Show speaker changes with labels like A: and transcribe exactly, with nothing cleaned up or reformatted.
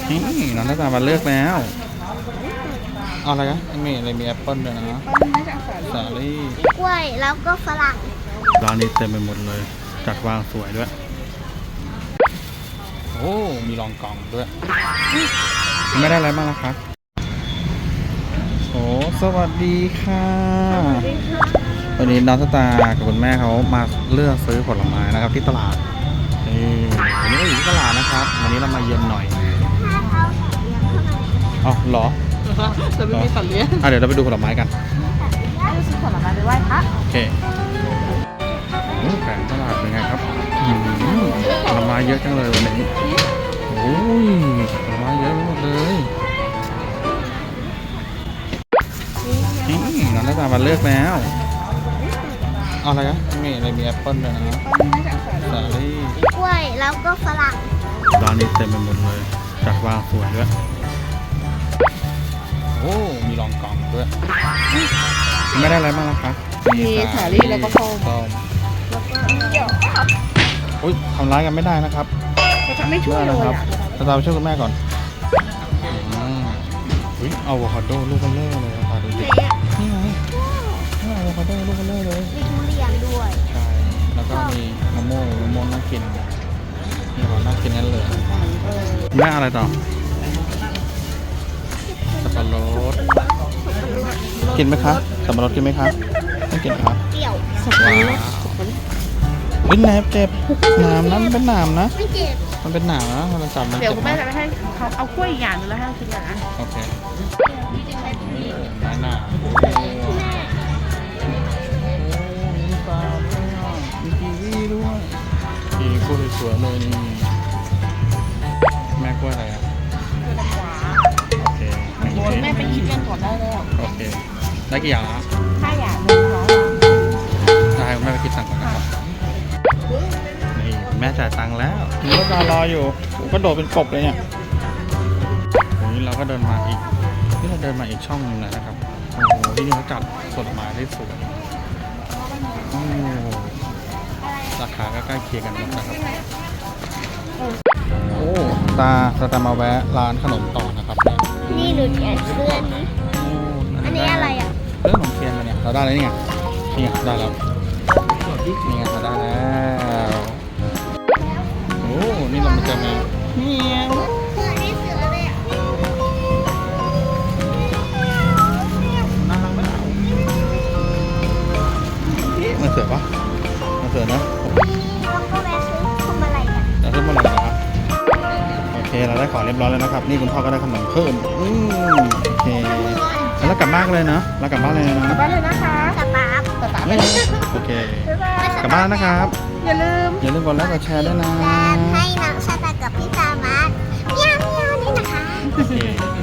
A: นี่น้องน้าตามาเลือกแล้วเอาอะไรกันมีอะไรมีแอปเปิ้ลด้วยนะสาลี่
B: กล้วยแล้วก็ฝรั่ง
A: ร้านนี้เต็มไปหมดเลยจัดวางสวยด้วยโอ้มีรองกล่องด้วยไม่ได้อะไรบ้างนะคะโอ้สวัสดีค่ะวันนี้น้องสตาร์กับคุณแม่เขามาเลือกซื้อผลไม้นะครับที่ตลาดนี่วันนี้เราอยู่ที่ตลาดนะครับวันนี้เรามาเย็นหน่อย
B: ถ้าเขาเลี้ยงเข้ามา
A: อ๋อเหรอ
C: จะไม่มีสัตว์เลี้ยง
A: อ่ะเดี๋ยวเราไปดูผลไม้กัน
C: ไม่ซื้อผลไม้ไปไหว้พระ
A: โอเคโอ้แผงตลาดเป็นไงครับอืมผลไม้เยอะจังเลยวันนี้โอ้ยผลไม้เยอะหมดเลยนี่น้องน้าตามาเลือกแล้วเอาอะไรกันมีอะไรมีแอปเปิ้ลด้วยนะสาลี่
B: กล้วยแล้วก็ฝรั่ง
A: ร้านนี้เต็มไปหมดเลยจัดวางสวยด้วยโอ้มีรองกล่องด้วยไม่ได้อะไรบ้างนะคะ
C: มีสาลี่แล้วก็ส้ม
A: ส้ม
C: แล้วก็เดี๋ยว
A: อุ้ยทำร้ายกันไม่ได้นะครับ
C: จะไม่ช่วยเลย
A: นะครับ
C: อ่ะ
A: ตาตาไปช่วยคุณแม่ก่อนอืมอุ้ยเอาอะโวคาโดลูกเบลเลอร์เลยตาดูดิ
B: เละ
A: นี่ไงนี่อะโวคาโดลูกเบลเลอร์เลย
B: มีทุเรียนด้วย
A: ใช่แล้วก็มีมะม่วงมะม่วงน่ากินนี่ของน่ากินนั่นเลยแม่อะไรต่อสับปะรดกินไหมคะสับปะรดกินไหมคะไม่กินครับ
B: เปรี้ยว
A: ว้าวเฮ้ยแหนบเจ็บหนามนะมันเป็นหนามนะ
B: ไม่เจ็บ
A: มันเป็นหนามนะมันจับมัน
C: เดี๋ยว
A: เจ็บ
C: คุณแม่
A: นะ
C: จะไปให้เขาเอากล้วยอีกอย่างหนึงแล้วให้เรากินกันนะ
A: โอเคหนาโอ้มีปลาด้วยมีกีวีด้วยกีกล้วยสวยเลยนี่แม่กล้วยอะไรอ่ะโอเค
C: โดนแม่ไปคิดกันก่อนได้แล้ว
A: โอเคได้กี่อย่างละ
C: ถ้าอยากหนึ่งร้อย
A: ได้คุณแม่ไปคิดตังค์ก่อนนะครับนี่แม่จ่ายตังค์แล้วมีรถรออยู่ผมก็โดดเป็นกบเลยเนี่ยวันนี้เราก็เดินมาอีกนี่เราเดินมาอีกช่องหนึงแล้วนะครับโอ้โหที่นี่เขาจัดผลไม้ได้สวยโอ้ราคาก็ใกล้เคียงกันหมดนะครับโอ้ตาตาตามาแวะร้านขนมต่อนะครับ
B: นี่หนูแกะเสื้อนี้
A: โอ้
B: อันนี้อะไรอ่ะ
A: เรื่องขนมเทียนมาเนี่ยเราได้แล้วนี่ไงนี่ไงได้แล้วนี่ไงเราได้แล้วโอ้นี่เรามาเจอแมวนี่ไง
B: เสื้อนี่เสื้ออะไรอ่ะ
A: น่ารักมากมันเสือปะมันเสือนะ
B: แล้วก็แวะซื้อทำอะไรกัน
A: แต่ขึ้นมาแล้วนะครับโอเคเราได้ของเรียบร้อยแล้วนะครับนี่คุณพ่อก็ได้ขนมเพิ่มอืมโอเคแล้วกลับบ้านกันเลยนะเรากลับบ้านเลยนะ
C: กลับบ้านเลยนะคะ
B: สตาร์ฟ
C: สตาร์ทไป
A: โอเค
C: บ๊ายบาย
A: กลับบ้านนะครับ
C: อย่าลืม
A: อย่าลืมกดไลค์กดแชร์ด้วยนะ
B: การให้น้องชาตากับพี่ตามาเมียวเมียวนี่นะคะ
A: โอเค